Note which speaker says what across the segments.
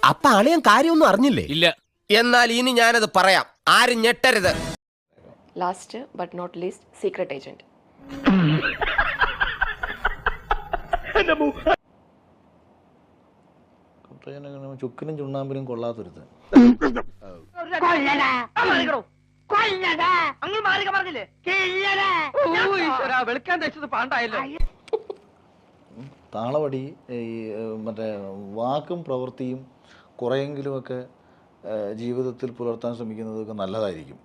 Speaker 1: അപ്പൊ അളിയൻ കാര്യമൊന്നും അറിഞ്ഞില്ലേ?
Speaker 2: ഇല്ല.
Speaker 1: എന്നാൽ ഇനി ഞാനത് പറയാം, ആരും ഞെട്ടരുത്.
Speaker 3: Last but not least, secret agent.
Speaker 4: ചുക്കിനും ചുണ്ണാമ്പിനും കൊള്ളാത്തൊരുത്തൻ. താളവടി ഈ മറ്റേ വാക്കും പ്രവൃത്തിയും കുറെയെങ്കിലുമൊക്കെ ജീവിതത്തിൽ പുലർത്താൻ ശ്രമിക്കുന്നതൊക്കെ നല്ലതായിരിക്കും.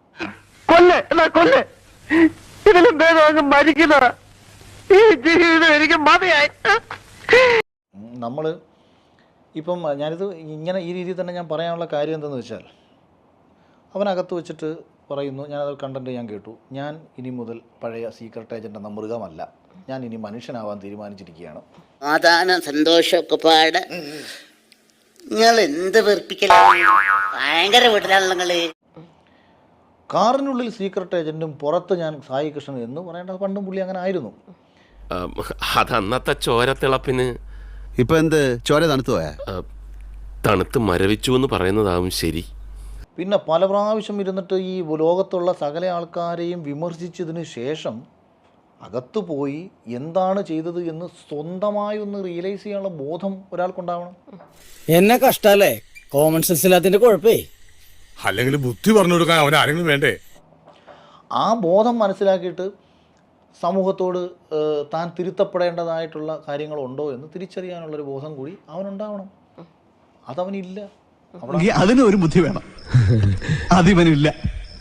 Speaker 4: നമ്മൾ ഇപ്പം ഞാനിത് ഇങ്ങനെ ഈ രീതിയിൽ തന്നെ ഞാൻ പറയാനുള്ള കാര്യം എന്തെന്ന് വെച്ചാൽ, അവനകത്ത് വെച്ചിട്ട് പറയുന്നു, ഞാനത് കണ്ടന്റ് ഞാൻ കേട്ടു, ഞാൻ ഇനി മുതൽ പഴയ സീക്രട്ട് ഏജന്റ് എന്ന മൃഗമല്ല, ഞാൻ ഇനി മനുഷ്യനാവാൻ തീരുമാനിച്ചിരിക്കുകയാണ്.
Speaker 5: സാധാരണ സന്തോഷമൊക്കെ പാട് നിങ്ങൾ എന്ത് വെറുപ്പിക്കലാണ്, ഭയങ്കര വീട്ടിലാണല്ലോ നിങ്ങള്.
Speaker 4: കാറിനുള്ളിൽ സീക്രട്ട് ഏജന്റും പുറത്ത് ഞാൻ സായി കൃഷ്ണൻ എന്ന് പറയേണ്ടത് പണ്ടും പുള്ളി അങ്ങനെ ആയിരുന്നു.
Speaker 6: അതന്നത്തെ ചോരത്തിളപ്പിന്.
Speaker 7: ഇപ്പൊ എന്ത് ചോര തണുത്തു പോയാ?
Speaker 6: തണുത്ത് മരവിച്ചു എന്ന് പറയുന്നതാവും ശരി.
Speaker 4: പിന്നെ പല പ്രാവശ്യം ഇരുന്നിട്ട് ഈ ലോകത്തുള്ള സകല ആൾക്കാരെയും വിമർശിച്ചതിന് ശേഷം അകത്തു പോയി എന്താണ് ചെയ്തത് എന്ന് സ്വന്തമായി ഒന്ന് റിയലൈസ് ചെയ്യാനുള്ള ബോധം ഒരാൾക്കുണ്ടാവണം.
Speaker 8: എന്നെ കഷ്ടല്ലേ, കോമൺ സെൻസ് ഇല്ലാത്തതിന്റെ കുഴപ്പേ.
Speaker 2: അല്ലെങ്കിൽ ബുദ്ധി പറഞ്ഞു കൊടുക്കാൻ അവൻ ആരെങ്കിലും വേണ്ടേ?
Speaker 4: ആ ബോധം മനസ്സിലാക്കിയിട്ട് സമൂഹത്തോട് താൻ തിരുത്തപ്പെടേണ്ടതായിട്ടുള്ള കാര്യങ്ങളുണ്ടോ എന്ന് തിരിച്ചറിയാനുള്ളൊരു ബോധം കൂടി അവനുണ്ടാവണം. അതവനില്ല.
Speaker 7: അതിന് ഒരു ബുദ്ധി വേണം, അതിവനില്ല.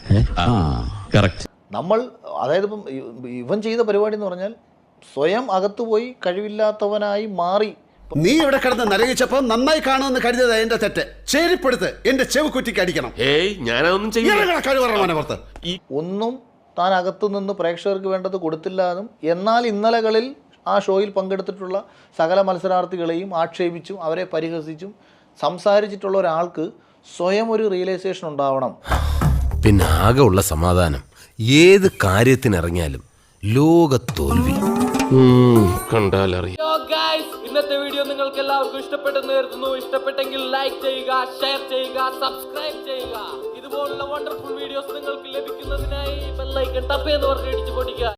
Speaker 4: നമ്മൾ അതായത് ഇപ്പം ഇവൻ ചെയ്ത പരിപാടി എന്ന് പറഞ്ഞാൽ സ്വയം അകത്തുപോയി കഴിവില്ലാത്തവനായി മാറി.
Speaker 7: നീ ഇവിടെ കിടന്ന് നരകിച്ചപ്പോ നന്നായി കാണുമെന്ന് കരുതിയത് എന്റെ തെറ്റ്. ശരിപ്പെടുത്ത്, എന്റെ ചെവ് കുറ്റിക്ക് അടിക്കണം.
Speaker 6: ഏയ്, ഞാനതൊന്നും ചെയ്യില്ല.
Speaker 7: കഴിവറ
Speaker 4: ഒന്നും താൻ അകത്തു നിന്ന് പ്രേക്ഷകർക്ക് വേണ്ടത് കൊടുത്തില്ല എന്നും, എന്നാൽ ഇന്നലകളിൽ ആ ഷോയിൽ പങ്കെടുത്തിട്ടുള്ള സകല മത്സരാർത്ഥികളെയും ആക്ഷേപിച്ചും അവരെ പരിഹസിച്ചും സംസാരിച്ചിട്ടുള്ള ഒരാൾക്ക് സ്വയം ഒരു റിയലൈസേഷൻ ഉണ്ടാവണം.
Speaker 1: പിന്നെ ആകെ ഉള്ള സമാധാനം ഏത് കാര്യത്തിനിറങ്ങിയാലും ലോകത്തോൽവി
Speaker 6: കണ്ടാലറിയാം.
Speaker 9: ഇന്നത്തെ വീഡിയോ നിങ്ങൾക്ക് എല്ലാവർക്കും ഇഷ്ടപ്പെട്ടെന്ന് കരുതുന്നു. ഇഷ്ടപ്പെട്ടെങ്കിൽ ലൈക്ക് ചെയ്യുക, ഷെയർ ചെയ്യുക, സബ്സ്ക്രൈബ് ചെയ്യുക. ഇതുപോലുള്ള വണ്ടർഫുൾ വീഡിയോസ് നിങ്ങൾക്ക് ലഭിക്കുന്നതിനായി ബെൽ ഐക്കൺ ടപ്പ് എന്ന് പറഞ്ഞ് ഇടിച്ചു പൊടിക്കുക.